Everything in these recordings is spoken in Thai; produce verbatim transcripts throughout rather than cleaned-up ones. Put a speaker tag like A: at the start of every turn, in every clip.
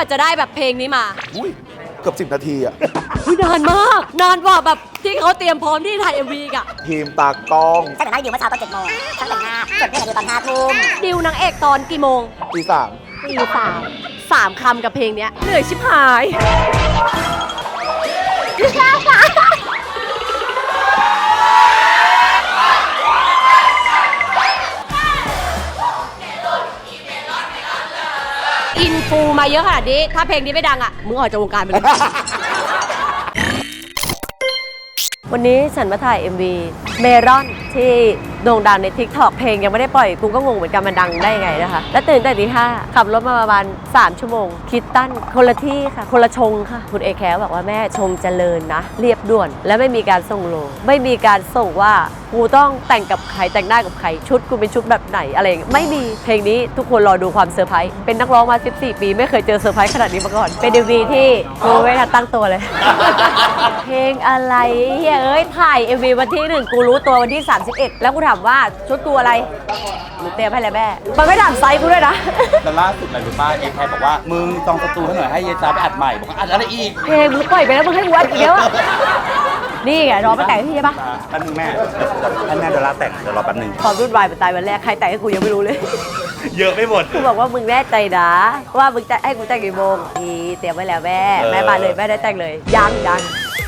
A: ว่าจะได้แบบเพลงนี้มา
B: อุ้ยเกือบสิบนาทีอะ
A: นานมากนานกว่าแบบที่เขาเตรียมพร้อมที่ถ่าย เอ็ม วี กะ
B: ทีมตากล้อง
C: ช่างแต่งหน้าดิวเมื่อเช้าตอนเจ็ดโมงช่างแต่งหน้าส่วนเพื่อนดิวตอนห้าทุ่ม
A: ดิวนางเอกตอนกี่โมง
B: ตีสาม
A: ตีสามสามคำกับเพลงเนี้ยเหนื่อยชิบหายอินฟูมาเยอะขนาดนี้ถ้าเพลงนี้ไม่ดังอ่ะมึงออกจากวงการไปเลย วันนี้ฉันมาถ่าย เอ็ม วี เมรอนที่โด่งดังใน ทิกตอก เพลงยังไม่ได้ปล่อยกูก็งงเหมือนกันมันดังได้ไงนะคะแล้วตื่นแต่ตีห้าขับรถมาประมาณสามชั่วโมงคิดตั้นคนละที่ค่ะคนละชงค่ะคุณเอแคลบอกว่าแม่ชงเจริญนะเรียบด่วนและไม่มีการส่งโลไม่มีการส่งว่ากูต้องแต่งกับใครแต่งหน้ากับใครชุดกูเป็นชุดแบบไหนอะไรไม่มีเพลงนี้ทุกคนรอดูความเซอร์ไพรส์เป็นนักร้องมาสิบสี่ปีไม่เคยเจอเซอร์ไพรส์ขนาดนี้มาก่อนเป็น เอ็ม วี ที่กูไม่ทันตั้งตัวเลย เพลงอะไรเฮ้ยถ่าย เอ็ม วี วันที่หนึ่งกูรู้ตัววันที่สามสิบเอ็ดแล้วกูถามว่าชุดกูอะไรหนูเตรียมให้แล้วแม่มันไม่ถามไซส์กูด้วยนะ
D: แต่ล่าสุดอะไรรู้ป่ะเอแคร์บอกว่ามึงจองสตูให้หน่อยให้เยจ้าไปอัดใหม่บอกว่าอัดอะไรอีก
A: เพลงมึงปล่อยไปแล้วมึงให้กูอัดอีกแล้วอะนี่ไงรอมาแต่งพี่ใช่ปะ
D: แป๊บนึงแม่ให้แม่เดี๋ยวลาแต่งเดี๋ยวรอแป๊บนึง
A: ความรุ่นวายเป็นตายวันแรกใครแต่งให้กูยังไม่รู้เลย
D: เยอะไม่หมด
A: กูบอกว่ามึงแน่ใจนะว่ามึงจะให้กูแต่งกี่โมงอีเตรียมไว้แล้วแม่แม่มาเลยแม่ได้แต่งเลยยังยัง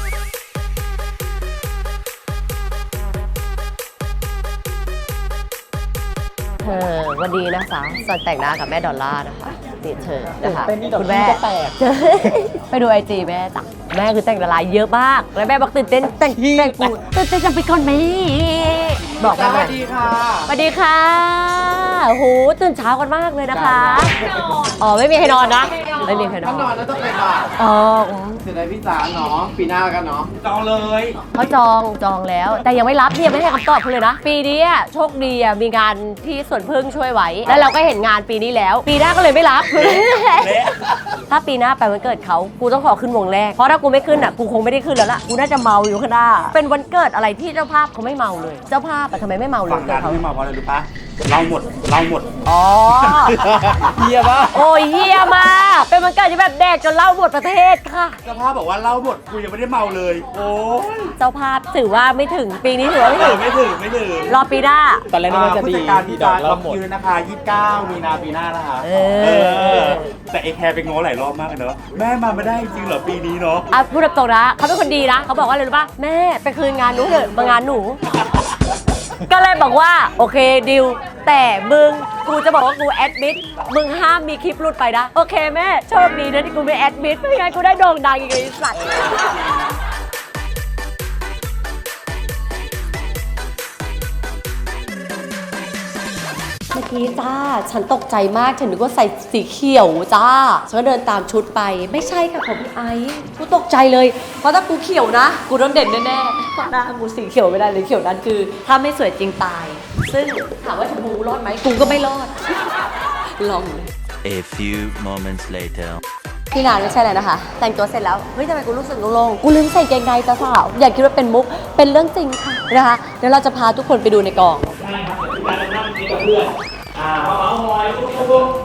A: เธอวันนี้นะคะสอนแต่งหน้ากับแม่ดอลล่านะคะนี่เธอนะคะคุณแม่ไปดูไอจีแม่จ้ะแม่คือแต่งละลายเยอะมากแล้วแม่บอกตื่นเต้นแต่งแต่งกูตื่นเต้นจังไปก่อนไหมบอกแม่สวัสดีค่ะสวัสดีค่ะโอ้โหตื่นเช้ากันมากเลยนะคะอ๋อไม่มีใครนอนนะไม่มีใครนอน
E: นอนแล้วต้องไปบ่าย
A: อ๋อ
E: เสร็จแล้วพี่จ๋าเนาะปีหน้ากันเนาะ
D: จองเลย
A: เขาจองจองแล้วแต่ยังไม่รับเนี่ยไม่ให้คำตอบเขาเลยนะปีนี้โชคดีอ่ะมีงานที่สวนพึ่งช่วยไว้แล้วเราก็เห็นงานปีนี้แล้วปีหน้าก็เลยไม่รับถ้าปีหน้าไปวันเกิดเขากูต้องขอขึ้นวงแรกเพราะถ้ากูไม่ขึ้นอ่ะกูคงไม่ได้ขึ้นแล้วล่ะกูน่าจะเมาอยู่ข้างหน้าเป็นวันเกิดอะไรที่เจ้าภาพเขาไม่เมาเลยเจ้าภาพทำไมไม่เมาเลย
D: ฝั่งการไม่เมาเพราะอะไรรู้ปะเราหมดเราหมด
A: อ๋อ
D: เฮียปะ
A: โอ้ยเฮียมากเป็นวันเกิดที่แบบแดกจนเหล้าหมดประเทศค่ะ
D: เจ้าภาพบอกว่าเราหมดกูยังไม่ได้เมาเลยโอ้ย
A: เจ้าภาพถือว่าไม่ถึงปีนี้ถือว่าไม่ถึง
D: ไม่ถึงไม่ถึง
A: รอปีหน้า
D: ตอนแรกนึกว่าจะดีผู้จัดการพี่จ๋าล็อกคิวนะคะยี่สิบเก้ามีนาปีหน้านะคะเออแต่เอแคร์ไปง้อหลายรอบมากเลยเนอะแม่มาไม่ได้จริงเหรอปีนี้เนาะ
A: อ่ะพูดตรงๆนะเขาเป็นคนดีนะเขาบอกว่าอะไรรู้ป่ะแม่ไปคืนงานหนูเถอะมางานหนูก็เลยบอกว่าโอเคดิวแต่มึงกูจะบอกว่ากูแอดมิดมึงห้ามมีคลิปหลุดไปนะโอเคแม่โชคดีนะที่กูไม่แอดมิดไม่งั้นกูได้โด่งดังอีกเลยสัตว์เมื่อกี้จ้าฉันตกใจมากฉันนึกว่าใส่สีเขียวจ้าฉันก็เดินตามชุดไปไม่ใช่ค่ะของพี่ไอซ์กูตกใจเลยเพราะถ้ากูเขียวนะกูโดนเด่นแน่ๆเพราะหน้ากูสีเขียวไม่ได้เลยเขียวนั้นคือถ้าไม่สวยจริงตายซึ่งถามว่าชมพูรอดไหมกูก็ไม่รอดลองเลย
F: A few moments later
A: พี่นานไม่ใช่เลยนะคะแต่งตัวเสร็จแล้วเฮ้ยทำไมกูรู้สึกโล่งๆกูลืมใส่เกงในจ้าสาวอย่าคิดว่าเป็นมุกเป็นเรื่องจริงค่ะนะคะเดี๋ยวเราจะพาทุกคนไปดูในกองอ่าเมาส์มอยปุ๊บปุ๊บ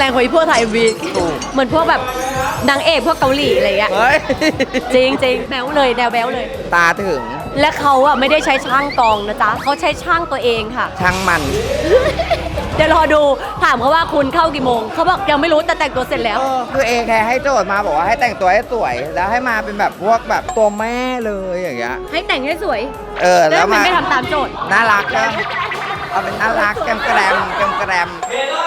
A: งกว่าไอ้พวกถ่ายเอ็มวีเหมือนพวกแบบนางเอกพวกเกาหลีอะไรเงี้ย
G: เฮ้ย
A: จริงจริงแบ๊วเลยแนวแบ๊วเลย
G: ตาถึง
A: และเขาอะไม่ได้ใช้ช่างกองนะจ๊ะเขาใช้ช่างตัวเองค่ะ
G: ช่างมัน
A: เดี๋ยวรอดูถามเขาว่าคุณเข้ากี่โมงเขาบอกยังไม่รู้แต่แต่งตัวเสร็จแล้ว
G: คือเอแคร์ให้โจทย์มาบอกว่าให้แต่งตัวให้สวย แล้วให้มาเป็นแบบพวกแบบตัวแม่เลยอย่างเงี้ย
A: ให้แต่งให้สวย
G: เออ
A: แล้
G: แล้ว ว
A: มัน
G: มา
A: ไม่ทำตามโจทย์
G: น่ารักก็เอาเป็นน่ารักแกมแกรมแกมแกรม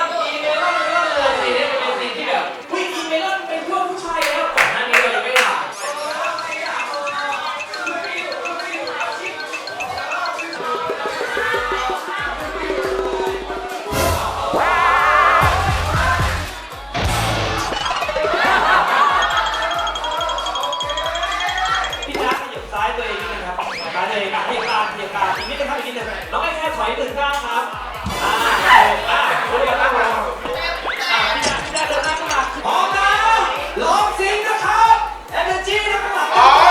H: พี่จ๊ะขยับซ้ายตัวเองนิดนึงครับซ้ายตัวเองอ่ะเหยียบกลางเหยียบกลางอีกนิดนึงครับอีกนิดนึงน้องไอ้แค่ถอยหนึ่งก้าวครับอ่าอ่าเดี๋ยวตั้งลงอ่าพี่จ๊ะพี่จ๊ะเดินหน้าเข้ามาพร้อมแล้วร้องซิงนะครับ Energy นะครับอ๋อ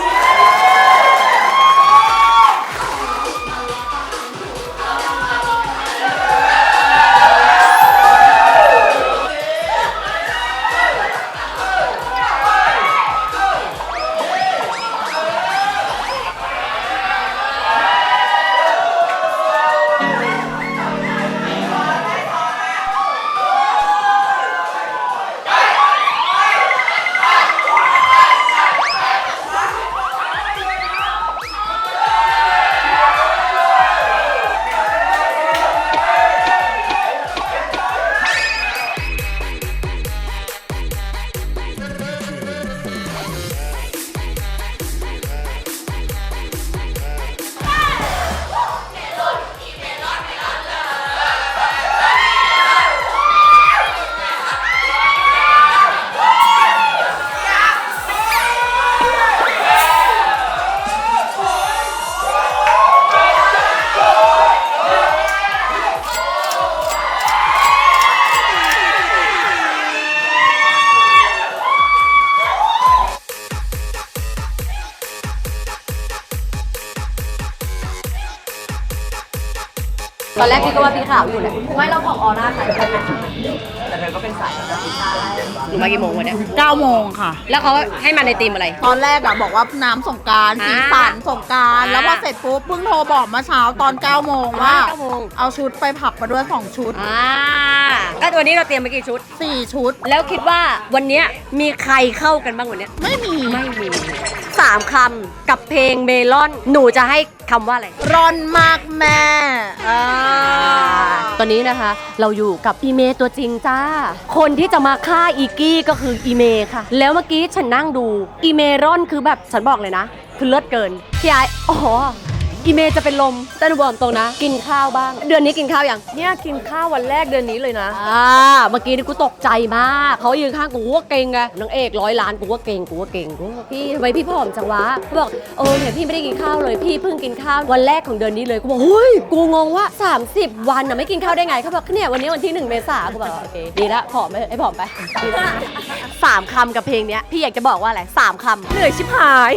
A: ตอนแรกพี่ก็ว่าพี่ขาวอยู่แหละไม่เราของออร่าใครแต่เธอก็เป็นสายนะหนูมากี่โมงวันเนี้ย
I: เก้าโมงค่ะ
A: แล้วเขาให้มาในทีมอะไร
I: ตอนแรกอะบอกว่าน้ำสงกราร
A: อ่า
I: สีสันสงกราร
A: อ่า
I: แล้วพอเสร็จปุ๊บเพิ่งโทรบอกเมื่อเช้าตอนเก้าโมงว่า
A: เก้าโมง
I: เอาชุดไปผับมาด้วยสองชุด
A: อ่าก็วันนี้เราเตรียมไปกี่ชุด
I: สี่ชุด
A: แล้วคิดว่าวันเนี้ยมีใครเข้ากันบ้างวันเนี้ย
I: ไม่มี
A: ไม่มีสามคำกับเพลงเมลอน หนูจะให้คำว่าอะไร
I: ร้อนมากแม่
A: อ่าตอนนี้นะคะ เราอยู่กับอีเมตัวจริงจ้า คนที่จะมาฆ่าอีกี้ก็คืออีเมค่ะ แล้วเมื่อกี้ฉันนั่งดูอีเมรอนคือแบบฉันบอกเลยนะ คือเลิศเกินพี่ไอ้อ๋ออีเมจะเป็นลมแต่หนูบอกตรงนะ กินข้าวบ้าง เดือนนี้กินข้าวยังเนี่ยกินข้าววันแรกเดือนนี้เลยนะอ่าเมื่อกี้นี่กูตกใจมากเขายืนข้างกูว่าเก่งไงนางเอกร้อยล้านกูว่าเก่งกูว่าเก่งกูว่าพี่ทำไมพี่ผอมจังวะเขาบอกเออเนี่ยพี่ไม่ได้กินข้าวเลยพี่เพิ่งกินข้าววันแรกของเดือนนี้เลยกูบอกเฮ้ยกูงงว่าสามสิบวันน่ะไม่กินข้าวได้ไงเขาบอกเนี่ยวันนี้วันที่หนึ่งเมษากูบอกโอเคดีละผอมไปไอ้ผอมไปดีละสามคำกับเพลงเนี้ยพี่อยากจะบอกว่าอะไรสามคำเหนื่อยชิบหาย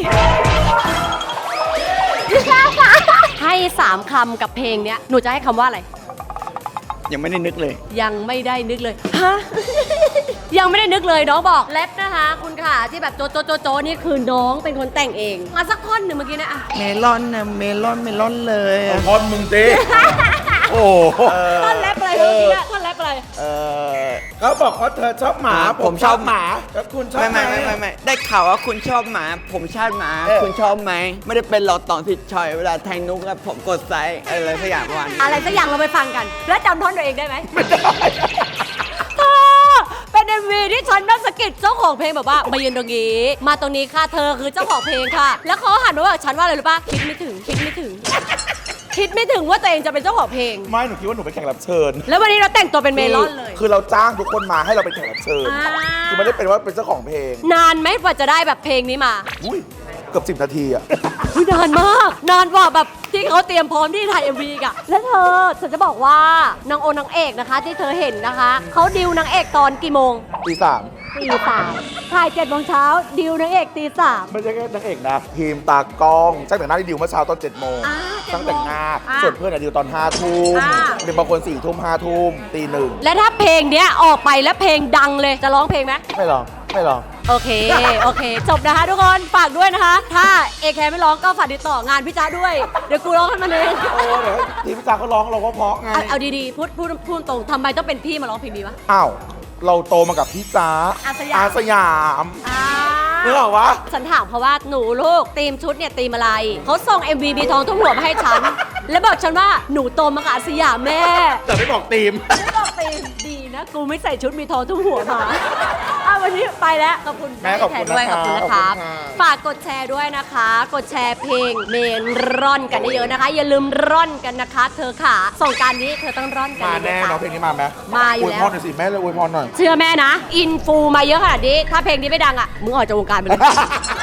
A: ให้สามคำกับเพลงเนี้ยหนูจะให้คำว่าอะไร
G: ยังไม่ได้นึกเลย
A: ยังไม่ได้นึกเลย ฮะ ยังไม่ได้นึกเลยน้องบอกแรปนะคะ คุณค่ะที่แบบโจโจโจโจนี่คือน้องเป็นคนแต่งเอง มาสักท่อนหนึ่งเมื่อกี้นะอะ
G: เมลอนนะเมลอนเมลอนเลยอะ
B: พอนมึงดิโอ้
A: ท่อนแรปอะไรเมื่อกี้นะท่อนแรปอะไร
G: เออ
B: เขาบอกว่าเธอชอบหมา
G: ผมชอบหมา
B: แล้วคุณชอบ
G: ไม่ไม่ไม่ไม่ไม่ได้ข่าวว่าคุณชอบหมา ผมชอบหมา
B: เออ
G: คุณชอบไหม ไม่ได้เป็นหลอดต่อสิชอย เวลาแทงนุกแล้วผมกดไซส์อะไรสักอย่างประมาณนี้
A: อะไรสักอย่างเราไปฟังกัน แล้วจำท่อนตัวเองได้ไหมไม่ได้เป็นเอ็มวีที่ฉันนั่งสะกิดเจ้าของเพลงแบบว่ามายืนตรงนี้ มาตรงนี้ค่ะเธอคือเจ้าของเพลงค่ะ แล้วเขาหันมาบอกฉันว่าอะไรรู้ป่ะคิดไม่ถึงคิดไม่ถึง คิดไม่ถึงว่าตัวเองจะเป็นเจ้าของเพลง
B: ไม่หนูคิดว่าหนูเป็นแขกรับเชิญ
A: แล้ววันนี้เราแต่งตัวเป็นเมลอนเลย
B: คือเราจ้างทุกคนมาให้เราเป็นแขกรับเชิญ
A: อ่า
B: คือไม่ได้เป็นว่าเป็นเจ้าของเพลง
A: นานไหมกว่าจะได้แบบเพลงนี้มา
B: อุ้ยเกือบสิบนาทีอะ
A: อุ๊ยนานมาก นานกว่าแบบที่เขาเตรียมพร้อมที่ถ่าย เอ็ม วี อีกอะและเธอฉันจะบอกว่านางโอนางเอกนะคะ ที่เธอเห็นนะคะเขาดิวนางเอกตอนกี่โมง
B: ตีสาม
A: ตีสามถ่ายเจ็ดโมงเช้าดิวนางเอกตีสาม
B: ไม่ใช่แค่นางเอกนะทีมตากล้องช่างแต่งหน้าที่ดิวเมื่อเช้าตอนเจ็ดโมง
A: อ่าเจ็ดโมง
B: ช่างแต่งหน้า
A: อ่า
B: ส่วนเพื่อนอะดิวตอนห้าทุ่ม
A: อ่า
B: เป็นบางคนสี่ทุ่มห้าทุ่มตีหนึ่ง
A: และถ้าเพลงเนี้ยออกไปแล้วเพลงดังเลยจะร้องเพลงไหม
B: ไม่ลองไม่ลอง
A: โอเค โอเค จบนะคะทุกคนฝากด้วยนะคะ ถ้าเอแคไม่ร้องก็ฝากติดต่องานพี่จ้าด้วย เดี๋ยวกูร้องให้มันเอง
B: โอ้เดี๋ยวทีมพี่จ๋าเขาร้องเราก็เพราะไง
A: เอาเอาดีๆพูดพูดพูดตรงทำไมต้องเป็นพี่มาร้องเพลงนี้วะ
B: อ้าวเราโตมากับพี่จ๋า
A: อาสยาม
B: อาสยาม
A: อ่า
B: นึกออกวะ
A: ฉันถามเพราะว่าหนูลูกทีมชุดเนี่ยทีมอะไรเขาส่ง เอ็ม วี บีทองทุ่งหัวมาให้ฉัน แล้วบอกฉันว่าหนูโตมากับอาสยามแม่
B: แต่ไม่บอกทีม
A: ไม่บอกทีมดีนะ กูไม่ใส่ชุดมีทองทุ่งหัวมาเอาวันนี้ไปแล้วขอบคุณ
B: แม่ขอบคุณ
A: ด้วย
B: นะ
A: ขอบคุณนะค
B: ครั
A: รับ
B: บขอบคุณค่ะ
A: ฝากกดแชร์ด้วยนะคะ กดแชร์เพลงเมนร่อนกันเยอะๆนะคะ อย่าลืมร่อนกันนะคะ เธอขาส่งกรารนี้เธอต้องร่อนกัน
B: มาแน่
A: เยอะๆ
B: น้องเพลงนี้มาไหม
A: มาอยู่แล้ว
B: วยพรหน่อยสิแม่เลยอวยพรหน่อย
A: เชื่อแม่นะ อินฟูมาเยอะขนาดนี้ ถ้าเพลงนี้ไม่ดังอ่ะ มึงออกจากวงการไปเลย